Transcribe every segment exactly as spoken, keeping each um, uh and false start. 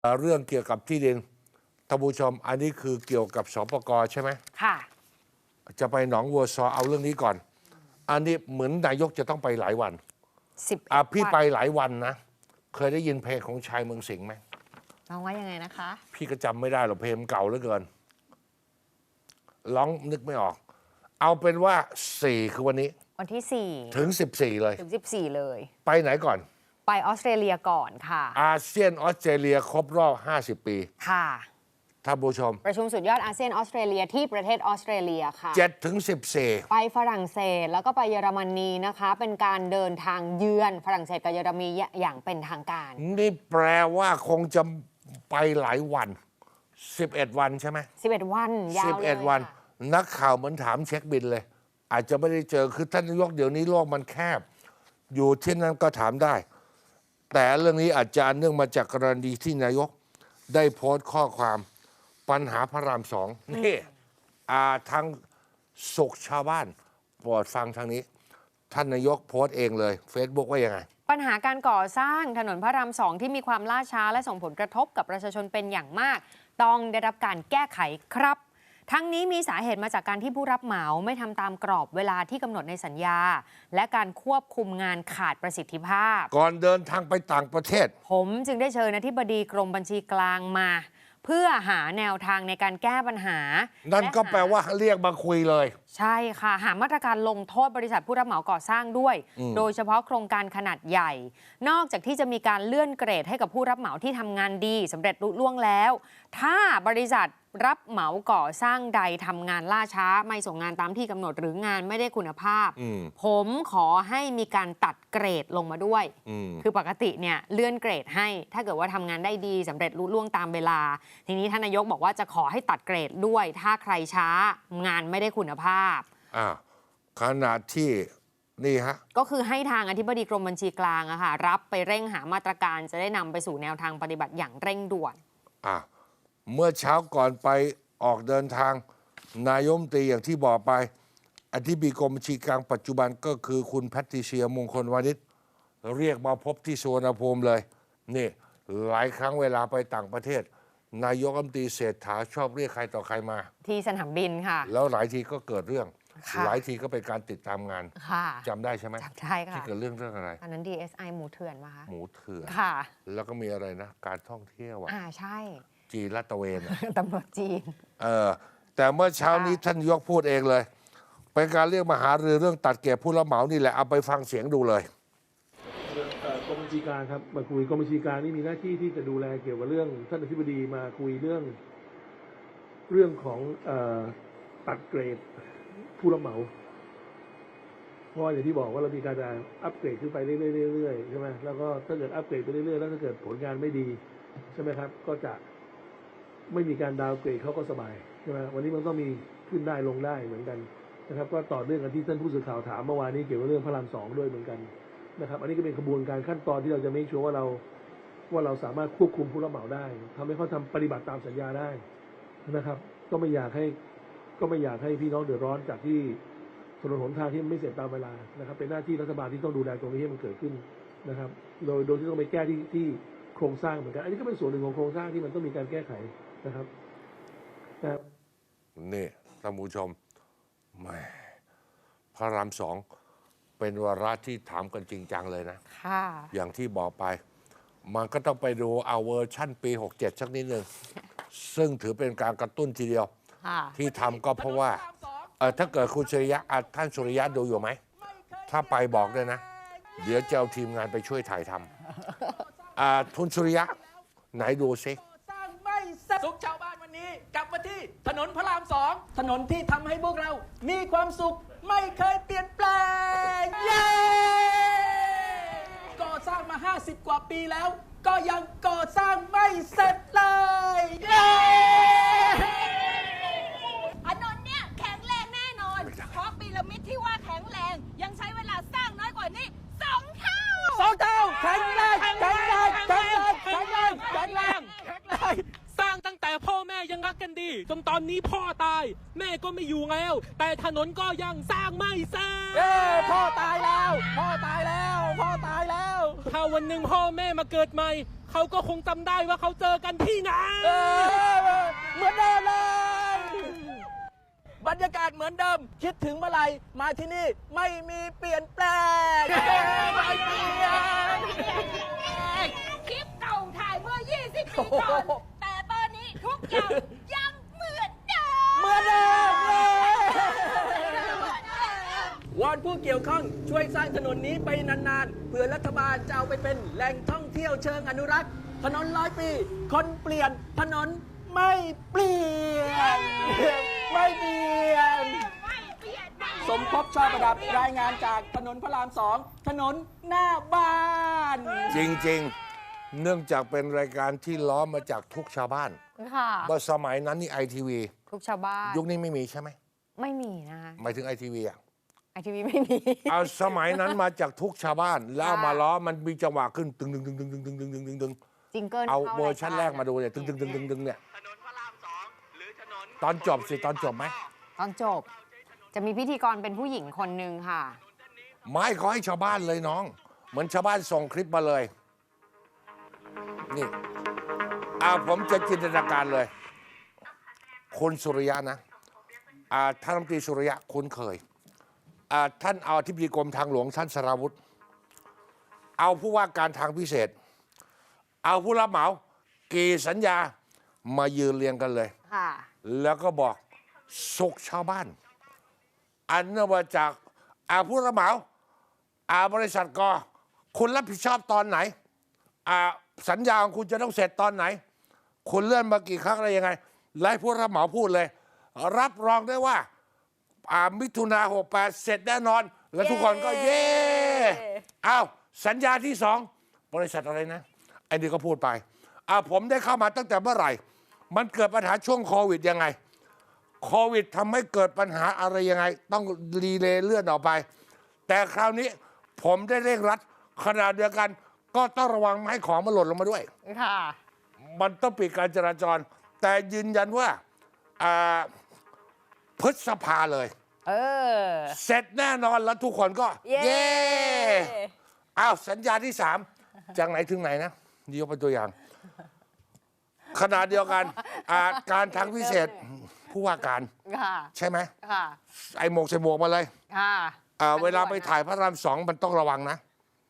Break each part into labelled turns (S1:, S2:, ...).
S1: เอ่อเรื่องเกี่ยวกับที่ดินท่านผู้ชมอันนี้คือเกี่ยวกับสปกใช่ไหม
S2: ค่ะ
S1: จะไปหนองวัวซอเอาเรื่องนี้ก่อนอันนี้เหมือนนายกจะต้องไปหลายวัน
S2: สิบ
S1: อ่ะพี่ไปหลายวันนะเคยได้ยินเพลงของชายเมืองสิงห์ไหม
S2: ร้องว่ายังไงนะคะ
S1: พี่ก็จำไม่ได้หรอกเพลงเก่าเหลือเกินร้องนึกไม่ออกเอาเป็นว่าสี่คือวันนี้
S2: วันที่สี่
S1: ถึงสิบสี่เลย
S2: ถึงสิบสี่เลย
S1: ไปไหนก่อน
S2: ไปออสเตรเลียก่อนค่ะ
S1: อาเซียนออสเตรเลียครบรอบห้าสิบปี
S2: ค่ะ
S1: ท่านผู้ชม
S2: ประชุมสุดยอดอาเซียนออสเตรเลียที่ประเทศออสเตรเลียค่ะ
S1: เจ็ดถึงสิบสี่
S2: ไปฝรั่งเศสแล้วก็ไปเยอรมนีนะคะเป็นการเดินทางเยือนฝรั่งเศสกับเยอรมนีอย่างเป็นทางการ
S1: นี่แปลว่าคงจะไปหลายวันสิบเอ็ดวันใช่ไหม
S2: สิบเอ็ดวันยาวเลย
S1: สิบเอ็ดวันนักข่าวเหมือนถามเช็คบินเลยอาจจะไม่ได้เจอคือท่านนายกเดี๋ยวนี้โลกมันแคบอยู่ที่นั่นก็ถามได้แต่เรื่องนี้อาจจะเนื่องมาจากกรณีที่นายกได้โพสต์ข้อความปัญหาพระรามสองนี่ทางสุขชาวบ้านโปรดฟังทางนี้ท่านนายกโพสต์เองเลย Facebook ว่ายังไง
S2: ปัญหาการก่อสร้างถนนพระรามสองที่มีความล่าช้าและส่งผลกระทบกับประชาชนเป็นอย่างมากต้องได้รับการแก้ไขครับทั้งนี้มีสาเหตุมาจากการที่ผู้รับเหมาไม่ทำตามกรอบเวลาที่กำหนดในสัญญาและการควบคุมงานขาดประสิทธิภาพ
S1: ก่อนเดินทางไปต่างประเทศ
S2: ผมจึงได้เชิญอธิบดีกรมบัญชีกลางมาเพื่อหาแนวทางในการแก้ปัญหา
S1: นั่นก็แปลว่าเรียกมาคุยเลย
S2: ใช่ค่ะหามาตรการลงโทษบริษัทผู้รับเหมาก่อสร้างด้วยโดยเฉพาะโครงการขนาดใหญ่นอกจากที่จะมีการเลื่อนเกรดให้กับผู้รับเหมาที่ทำงานดีสำเร็จลุล่วงแล้วถ้าบริษัทรับเหมาก่อสร้างใดทำงานล่าช้าไม่ส่งงานตามที่กำหนดหรืองานไม่ได้คุณภาพผมขอให้มีการตัดเกรดลงมาด้วยคือปกติเนี่ยเลื่อนเกรดให้ถ้าเกิดว่าทำงานได้ดีสำเร็จลุล่วงตามเวลาทีนี้ท่านนายกบอกว่าจะขอให้ตัดเกรดด้วยถ้าใครช้างานไม่ได้คุณภาพ
S1: อ่าขนาดที่นี่ฮะ
S2: ก็คือให้ทางอธิบดีกรมบัญชีกลางอะค่ะรับไปเร่งหามาตรการจะได้นำไปสู่แนวทางปฏิบัติอย่างเร่งด่วน
S1: อ่าเมื่อเช้าก่อนไปออกเดินทางนายมนตรีอย่างที่บอกไปอธิบดีกรมบัญชีกลางปัจจุบันก็คือคุณแพทริเซียมงคลวานิชเรียกมาพบที่สุวรรณภูมิเลยนี่หลายครั้งเวลาไปต่างประเทศนายกรัฐมนตรีเศรษฐาชอบเรียกใครต่อใครมา
S2: ที่สนามบินค่ะ
S1: แล้วหลายทีก็เกิดเรื่องหลายทีก็เป็นการติดตามงานจำได้ใช่ไหม
S2: จำได้ค่ะ
S1: ที่เกิดเรื่องเรื่องอะไร
S2: อันนั้น ดี เอส ไอ หมูเถื่อนมาคะ
S1: หมูเถื่อน
S2: ค่ะ
S1: แล้วก็มีอะไรนะการท่องเที่ยวอ่ะ
S2: อ่าใช่
S1: จีนลาดตระเวน
S2: ตำรวจจีน
S1: เออแต่เมื่อเช้านี้ท่านยกพูดเองเลยเป็นการเรียกมาหารือเรื่องตัดเก็บผู้รับเหมานี่แหละเอาไปฟังเสียงดูเลย
S3: กรมบัญชีกลางครับมาคุยกรมบัญชีกลางนี่มีหน้าที่ที่จะดูแลเกี่ยวกับเรื่องท่านอธิบดีมาคุยเรื่องเรื่องของเอ่อตัดเกรดผู้รับเหมาเพราะอย่างที่บอกว่าเรามีการจะอัปเกรดขึ้นไปเรื่อยๆใช่ไหมแล้วก็ถ้าเกิดอัปเกรดไปเรื่อยๆแล้วถ้าเกิดผลงานไม่ดีใช่ไหมครับก็จะไม่มีการดาวเกรดเขาก็สบายใช่ไหมวันนี้มันต้องมีขึ้นได้ลงได้เหมือนกันนะครับก็ต่อเนื่องกันที่ท่านผู้สื่อข่าวถามเมื่อวานนี้เกี่ยวกับเรื่องพระรามสองด้วยเหมือนกันนะครับอันนี้ก็เป็นกระบวนการขั้นตอนที่เราจะไม่ชัวร์ว่าเราว่าเราสามารถควบคุมผู้รับเหมาได้ทำให้เขาทำปฏิบัติตามสัญญาได้นะครับก็ไม่อยากให้ก็ไม่อยากให้พี่น้องเดือดร้อนจากที่ถนนหนทางที่ไม่เสร็จตามเวลานะครับเป็นหน้าที่รัฐบาลที่ต้องดูแลตรงนี้ให้มันเกิดขึ้นนะครับโดยโดยที่ต้องไปแก้ที่ที่โครงสร้างเหมือนกันอันนี้ก็เป็นส่วนหนึ่งของโครงสร้างที่มันต้องมีการแก้ไขนะครับนะครับ
S1: นี่ท่านผู้ชมแหมพระรามสองเป็นวาระที่ถามกันจริงจังเลยนะ
S2: ค่ะ
S1: อย่างที่บอกไปมันก็ต้องไปดูเอาเวอร์ชั่นปีหกเจ็ดสักนิดนึงซึ่งถือเป็นการกระตุ้นทีเดียวที่ทำก็เพราะว่าเออถ้าเกิดคุณสุริยะท่านสุริยะดูอยู่ไหมถ้าไปบอกด้วยนะเดี๋ยวจะเอาทีมงานไปช่วยถ่ายทำอ่าทุนสุริยะไหนดูซิ
S4: สร้างไม่สุขชาวบ้านวันนี้กลับมาที่ถนนพระรามสองถนนที่ทำให้พวกเรามีความสุขไม่เคยเปลี่ยนแปลงเย้ก่อสร้างมาห้าสิบกว่าปีแล้วก็ยังก่อสร้างไม่เสร็จเลยเย้
S5: ถนนเนี่ยแข็งแรงแน่นอนเพราะพีระมิดที่ว่าแข็งแรงยังใช้เวลาสร้างน้อยกว่านี้สองเท่า
S4: สองเท่าแข็งแรงแข็งแรงแข็งแรงแข็งแรงแข็งแรงแข็งแรงสร้างตั้งแต่พ่อแม่ยังรัก
S6: กันดีจนตอนนี้พ่อตาย แม่ก็ไม่อยู่แล้ว แต่ถนนก็ยังสร้างไม่เสร็จ
S4: เย้พ่อตายแล้ว พ่อตายแล้ว พ่อตายแล้ว
S6: ถ้าวันหนึ่งพ่อแม่มาเกิดใหม่ เขาก็คงจำได้ว่าเขาเจอกันที่ไหน
S4: เออเหมือนเดิมเลย บรรยากาศเหมือนเดิม คิดถึงเมื่อไหร่มาที่นี่ไม่มีเปลี่ยนแปลงไม่เปลี่ยน
S5: คลิปเก่าถ่ายเมื่อ ยี่สิบ ปีก่อน แต่ตอนนี้ทุกอย่างยังเหมือนเดิม
S4: เหมือนเดิมเลยวอนผู้เกี่ยวข้องช่วยสร้างถนนนี้ไปนานๆ เพื่อรัฐบาลจะเอาไปเป็นแหล่งท่องเที่ยวเชิงอนุรักษ์ ถนนร้อยปี คนเปลี่ยน ถนนไม่เปลี่ยน ไม่เปลี่ยน
S5: ไม่เปลี่ยนไม่
S4: สมภพชอบประดับรายงานจากถนนพระรามสองถนนหน้าบ้าน
S1: จริงๆ เนื่องจากเป็นรายการที่ล้อมมาจากทุกชาวบ้าน
S2: ค่ะ
S1: เมื่อสมัยนั้นนี่ไอทีวี
S2: ทุกชาวบ้าน
S1: ยุคนี้ไม่มีใช่ไหม
S2: ไม่มีนะคะ
S1: หมายถึงไอทีวีอ่ะ
S2: ไอทีวีไม่มี
S1: เอาสมัยนั้นมาจากทุกชาวบ้าน แล้วเอามาล้อมันมีจังหวะขึ้นตึงตึงตึงตึงตึงตึงตึงตึงตึงตึง
S2: จิงเกิล
S1: เอา
S2: ข้
S1: เวอร์ชันแรกมาดูเนี่ยตึงตึงตึงตึงตึงเนี่ย
S4: ถนนพระรามสองหรือถนน
S1: ตอนจบสิตอนจบไหม
S2: ตอนจบ จะมีพิธีกรเป็นผู้หญิงคนหนึ่งค่ะ
S1: ไม่ขอให้ชาวบ้านเลยน้อง เหมือนชาวบ้านส่งคลิปมาเลย นี่อ่าผมจะจินตนาการเลย คุณสุริยะนะอ่าท่านรัฐมนตรีสุริยะคุ้นเคยอ่าท่านเอาอธิบดีกรมทางหลวงท่านสราวุธ เอาผู้ว่าการทางพิเศษ เอาผู้รับเหมากี่สัญญามายืนเรียงกันเลย
S2: ค่ะ
S1: แล้วก็บอกสุขชาวบ้าน อันเนื่องมาจากอาผู้รับเหมาอาบริษัทกคุณรับผิดชอบตอนไหนอาสัญญาของคุณจะต้องเสร็จตอนไหน คุณเลื่อนมากี่ครั้งอะไรยังไงไล่ผู้รับเหมาพูดเลย รับรองได้ว่าอ่ามิถุนาหกแปดเสร็จแน่นอน แล้วทุกคนก็เย่อ้าวสัญญาที่สองบริษัทอะไรนะไอ้นี่ก็พูดไปอ่าผมได้เข้ามาตั้งแต่เมื่อไหร่ มันเกิดปัญหาช่วงโควิดยังไง โควิดทำให้เกิดปัญหาอะไรยังไง ต้องรีเลย์เลื่อนออกไป แต่คราวนี้ผมได้เร่งรัดขณะเดียวกัน ก็ต้องระวังไม่ให้ของมันหล่นลงมาด้วย
S2: ค่ะ
S1: มันต้องปิดการจราจร แต่ยืนยันว่าอ่าพฤษภาเลย
S2: เออ
S1: เสร็จแน่นอนแล้วทุกคนก็
S2: เย้
S1: เย้อ้าวสัญญาที่สามจากไหนถึงไหนนะนี่ยกเป็นตัวอย่าง ขณะเดียวกันอ่าการทางพิเศษผู้ว่าการ
S2: ค่ะ
S1: ใช่ไหม
S2: ค่ะ
S1: ไอ้หมวกใส่หมวกมาเลย
S2: ค่ะ
S1: อ่าเวลาไปถ่ายพระรามสองมันต้องระวังนะ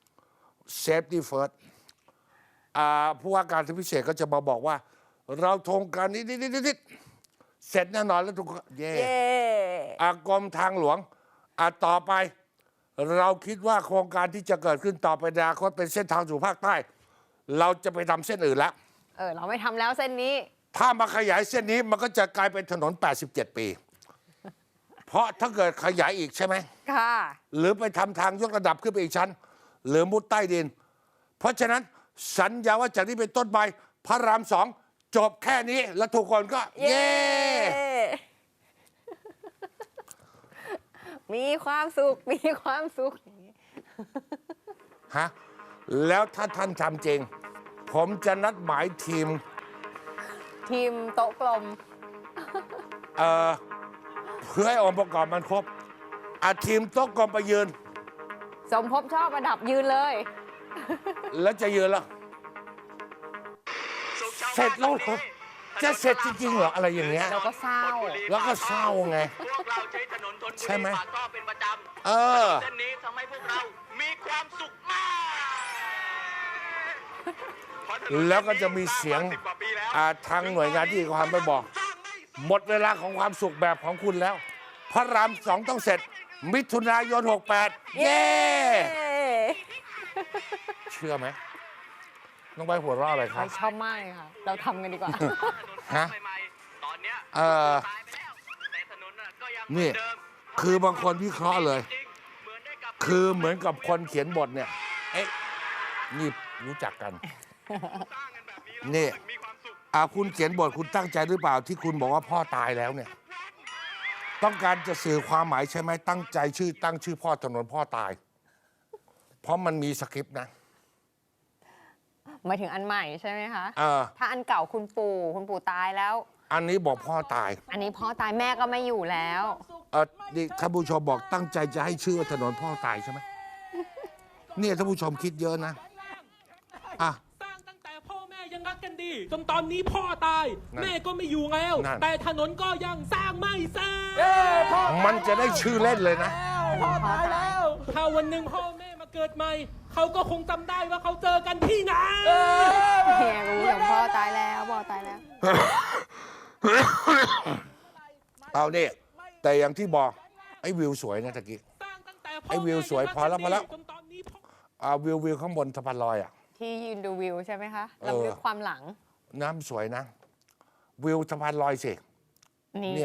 S1: safety first อ่าผู้ว่าการทางพิเศษก็จะมาบอกว่า เราโครงการนี้นิดๆๆๆเสร็จแน่นอนแล้วทุกคนเย่
S2: เย้
S1: อากรมทางหลวงอ่าต่อไป เราคิดว่าโครงการที่จะเกิดขึ้นต่อไปในอนาคตเป็นเส้นทางสู่ภาคใต้ เราจะไปทำเส้นอื่นแล้ว
S2: เออ เราไม่ทำแล้วเส้นนี้
S1: ถ้ามาขยายเส้นนี้มันก็จะกลายเป็นถนน แปดสิบเจ็ด ปี เพราะถ้าเกิดขยายอีกใช่ไหม
S2: ค่ะ
S1: หรือไปทำทางยกระดับขึ้นไปอีกชั้น หรือมุดใต้ดิน เพราะฉะนั้นสัญญาว่าจากนี้เป็นต้นไปพระรามสองจบแค่นี้ แล้วทุกคนก็ เย้
S2: มีความสุข มีความสุข
S1: ฮะ แล้วถ้าท่านทำจริง ผมจะนัดหมายทีม
S2: ทีมโต๊ะกลม
S1: เอ่อเพื่อให้องค์ประกอบมันครบอาทีมโต๊ะกลมไปยืน
S2: สมภพชอบประดับยืนเลย
S1: แล้วจะยืนแล้ว เสร็จแล้วเหรอจะเสร็จจริงๆเหรออะไรอย่างเงี้ย
S2: เราก็เศร้า
S1: แล้วก็เศร้าไง
S4: พวกเราใช้ถนนทนบุ
S1: ใช่
S4: รี
S1: ไหม
S4: ปากท่อเป็นประจำ
S1: เออ
S4: เส้นนี้ทำให้พวกเรามีความสุขมาก
S1: แล้วก็จะมีเสียงอ่าทางหน่วยงานที่ความไปบอก หมดเวลาของความสุขแบบของคุณแล้ว พระรามสองต้องเสร็จ มิถุนายนหกแปด เย้ เชื่อไหมน้องใบหัวเราะอะไรค
S2: ไป
S1: รับ
S2: ชอบมากเลยค่ะ เราทำกันดีกว่า
S1: ฮะ
S4: ตอนเนี้ย
S1: เออ
S4: ตายไปแล้วแต่ถนนน่ะก็ยัง
S1: นี่
S4: เหมือเดิม
S1: คือบางคนวิเคราะห์เลย
S4: จริงเหมือนได้กลับ
S1: คือเหมือนกับคนเขียนบทเนี่ย เอ๊ะ นี่รู้จักกัน นี่อ่าคุณเขียนบทคุณตั้งใจหรือเปล่าที่คุณบอกว่าพ่อตายแล้วเนี่ย ต้องการจะสื่อความหมายใช่ไหมตั้งใจชื่อตั้งชื่อพ่อถนนพ่อตาย เพราะมันมีสคริปต์นะ
S2: หมายถึงอันใหม่ใช่ไหมคะ
S1: เออ
S2: ถ้าอันเก่าคุณปู่ คุณปู่ตายแล้ว
S1: อันนี้บอกพ่อตาย
S2: อันนี้พ่อตายแม่ก็ไม่อยู่แล้ว
S1: เออนี่ท่านผู้ชมบอกตั้งใจจะให้ชื่อว่าถนนพ่อตายใช่ไหม เนี่ยท่านผู้ชมคิดเยอะนะอ่ะ
S6: สร้างตั้งแต่พ่อแม่ยังรักกันดี จนตอนนี้พ่อตาย
S1: นั่น
S6: แม่ก็ไม่อยู่แล้ว
S1: นั่น
S6: แต่ถนนก็ยังสร้างไม่เสร็จ
S4: เอ้พ่อ
S1: มันจะได้ชื่อเล่นเลยนะ
S4: พ่อตายแล้ว
S6: ถ้าวันหนึ่งพ่อแม่มาเกิดใหม่ เขาก็คงจำได้ว่าเขาเจอกันที่ไหน
S2: เนี่ยรู้อย่างพ่อตายแล้วพ่อตายแล้ว
S1: เอาเนี่ยแต่อย่างที่บอกไอ้วิวสวยนะตะกี้
S6: สร้างตั้งแต่พ่
S1: ไอ้วิวสวยพอแล้วพอแล้ว
S6: จนตอนนี้พ่อ
S1: อ่าวิววิวข้างบนสะพานลอยอ่ะ
S2: ที่ยืนดูวิวใช่ไหมคะ
S1: เออ
S2: ลำลึกความหลัง
S1: น้ำสวยนะ วิวสะพานลอยสิ
S2: นี่
S1: เนี่ย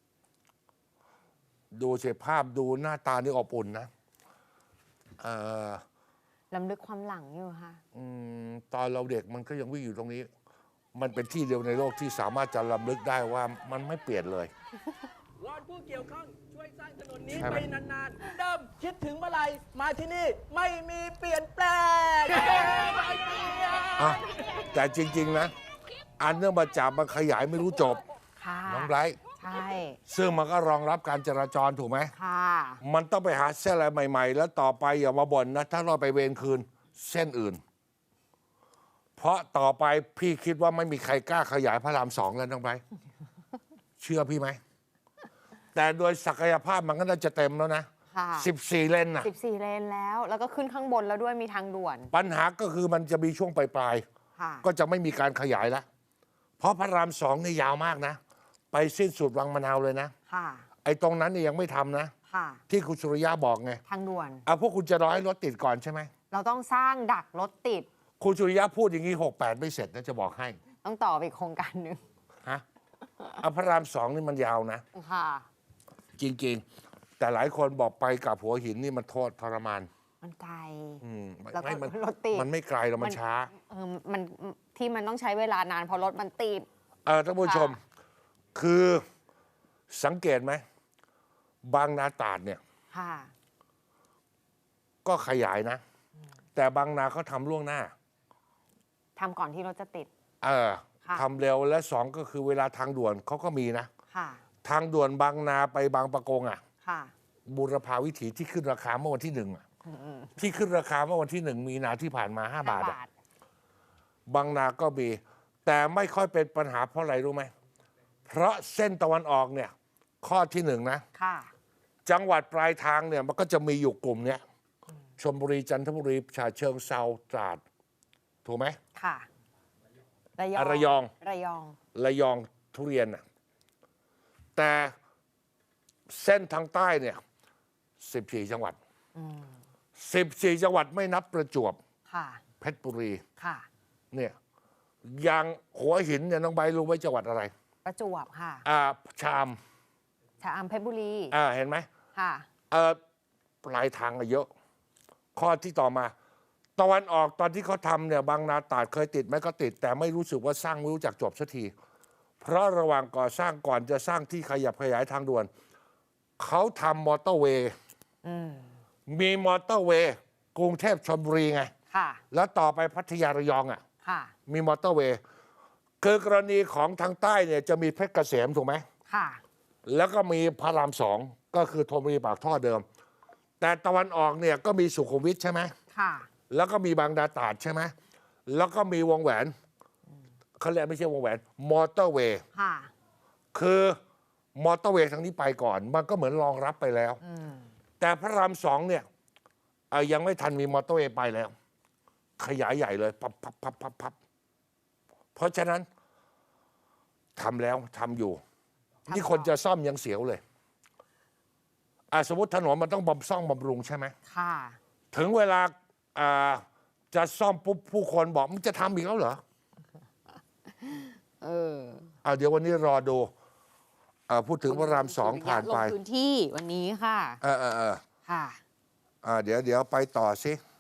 S1: ดูสิภาพดูหน้าตานี่อบอุ่นนะเอ่อ
S2: ลำลึกความหลังอยู่ค่ะ
S1: อืมตอนเราเด็กมันก็ยังวิ่งอยู่ตรงนี้ มันเป็นที่เดียวในโลกที่สามารถจะลำลึกได้ว่ามันไม่เปลี่ยนเลย
S4: วอนผู้เกี่ยวข้องช่วยสร้างถนนนี้
S1: ใช่ไหม
S4: ไปนานๆ เดิมคิดถึงเมื่อไหรมาที่นี่ไม่มีเปลี่ยนแปลง
S1: อ่ะแต่จริง ๆ นะ อันเนื่องมาจากมันขยายไม่รู้จบ
S2: ค่ะ
S1: น้องไบรท์
S2: ใช่
S1: ซึ่งมันก็รองรับการจราจรถูกไหม
S2: ค่ะ
S1: มันต้องไปหาเส้นอะไรใหม่ ๆ แล้วต่อไปอย่ามาบ่นนะ ถ้าเราไปเวรคืนเส้นอื่น เพราะต่อไปพี่คิดว่าไม่มีใครกล้าขยายพระรามสองแล้วน้องไบรท์เชื่อพี่ไหม แต่โดยศักยภาพมันก็น่าจะเต็มแล้วนะ
S2: ค่ะ
S1: สิบสี่เลนน่ะ
S2: สิบสี่เลนแล้ว แล้วก็ขึ้นข้างบนแล้วด้วยมีทางด่วน
S1: ปัญหาก็คือมันจะมีช่วงปลาย
S2: ค่ะ
S1: ๆ ก็จะไม่มีการขยายแล้ว เพราะพระรามสองนี่ยาวมากนะ ไปสิ้นสุดวังมะนาวเลยนะ
S2: ค่ะ
S1: ไอ้ตรงนั้นนี่ยังไม่ทำนะ
S2: ค่ะ
S1: ที่คุณสุริยะบอกไง
S2: ทางด่วน
S1: เอาพวกคุณจะรอให้รถติดก่อนใช่ไหม
S2: เราต้องสร้างดักรถติด
S1: คุณสุริยะพูดอย่างนี้หกแปดไม่เสร็จนะจะบอกให้
S2: ต้องต่อไปอีกโครงการหนึ่ง
S1: ฮะเอาพระรามสองนี่มันยาวนะ
S2: ค่ะ
S1: จริงๆ แต่หลายคนบอกไปกับหัวหินนี่มันโทษทรมาน
S2: มันไกล
S1: อืม
S2: แล้วก็
S1: ไม่มัน
S2: รถติด
S1: มันไม่ไกลหรอกมันช้า
S2: เออมันที่มันต้องใช้เวลานานเพราะรถมันติด
S1: เออท่านผู้ชม คือสังเกตไหม บางนาตราดเนี่ย
S2: ค่ะ
S1: ก็ขยายนะ แต่บางนาเขาทำล่วงหน้า
S2: ทำก่อนที่รถจะติด
S1: เออ
S2: ค่ะ
S1: ทำเร็วและสองก็คือเวลาทางด่วนเขาก็มีนะ
S2: ค่ะ
S1: ทางด่วนบางนาไปบางปะกงอ่ะ
S2: ค่ะ
S1: บูรพาวิถีที่ขึ้นราคาเมื่อวันที่หนึ่งอะที่ขึ้นราคาเมื่อวันที่หนึ่งมีนาที่ผ่านมาห้าบาทอะบางนาก็มี แต่ไม่ค่อยเป็นปัญหาเพราะอะไรรู้ไหม เพราะเส้นตะวันออกเนี่ย ข้อที่หนึ่งนะ
S2: ค่ะ
S1: จังหวัดปลายทางเนี่ยมันก็จะมีอยู่กลุ่มเนี้ยชลบุรีจันทบุรีฉะเชิงเซาตราด ถูกไหม
S2: ค่ะ ระยอง
S1: อ่ะระยอง
S2: ระยอง
S1: ระยองทุเรียนน่ะแต่เส้นทางใต้เนี่ยสิบสี่จังหวัดสิบสี่จังหวัดไม่นับประจวบ
S2: ค่ะ
S1: เพชรบุรี
S2: ค่ะ
S1: เนี่ยอย่างหัวหินเนี่ยน้องใบรู้ไว้จังหวัดอะไร
S2: ประจวบค่ะ
S1: อ่าชาม
S2: ชะอำเพชรบุรี
S1: อ่าเห็นไหม
S2: ค่ะ
S1: เออปลายทางอะเยอะ ข้อที่ต่อมาตะวันออกตอนที่เขาทำเนี่ยบางนาตราดเคยติดไหมก็ติด แต่ไม่รู้สึกว่าสร้างไม่รู้จักจบสักที เพราะระหว่างก่อสร้างก่อนจะสร้างที่ขยับขยายทางด่วน เขาทำมอเตอร์เวย์
S2: อืม
S1: มีมอเตอร์เวย์กรุงเทพชลบุรีไง
S2: ค่ะ
S1: แล้วต่อไปพัทยาระยองอ่ะ
S2: ค่ะ
S1: มีมอเตอร์เวย์คือกรณีของทางใต้เนี่ยจะมีเพชรเกษมถูกไหม
S2: ค่ะ
S1: แล้วก็มีพระรามสองก็คือธนบุรีปากท่อเดิม แต่ตะวันออกเนี่ยก็มีสุขุมวิทใช่ไหม
S2: ค่ะ
S1: แล้วก็มีบางนาตราดใช่ไหมแล้วก็มีวงแหวนเขาเรียกไม่ใช่วงแหวนมอเตอร์เวย์
S2: ค่ะ
S1: คือมอเตอร์เวย์ทางนี้ไปก่อน มันก็เหมือนรองรับไปแล้ว
S2: อืม
S1: แต่พระรามสองเนี่ยเอ่อยังไม่ทันมีมอเตอร์เวย์ไปแล้ว ขยายใหญ่เลยพับพับพับพับพับเพราะฉะนั้นทำแล้วทำอยู่ นี่คนจะซ่อมยังเสียวเลยอ่ะสมมติถนนมันต้องบำซ่อมบำรุงใช่ไหม
S2: ค่ะ
S1: ถึงเวลาอ่าจะซ่อมปุ๊บผู้คนบอกมันจะทำอีกแล้วเหรอ
S2: เออ
S1: อ่ะเดี๋ยววันนี้รอดูอ่าพูดถึงพระรามสองผ่านไป
S2: ลงพื้นที่วันนี้ค่ะ
S1: เออเออเออ
S2: ค่ะ
S1: อ่าเดี๋ยวเดี๋ยวไปต่อสิ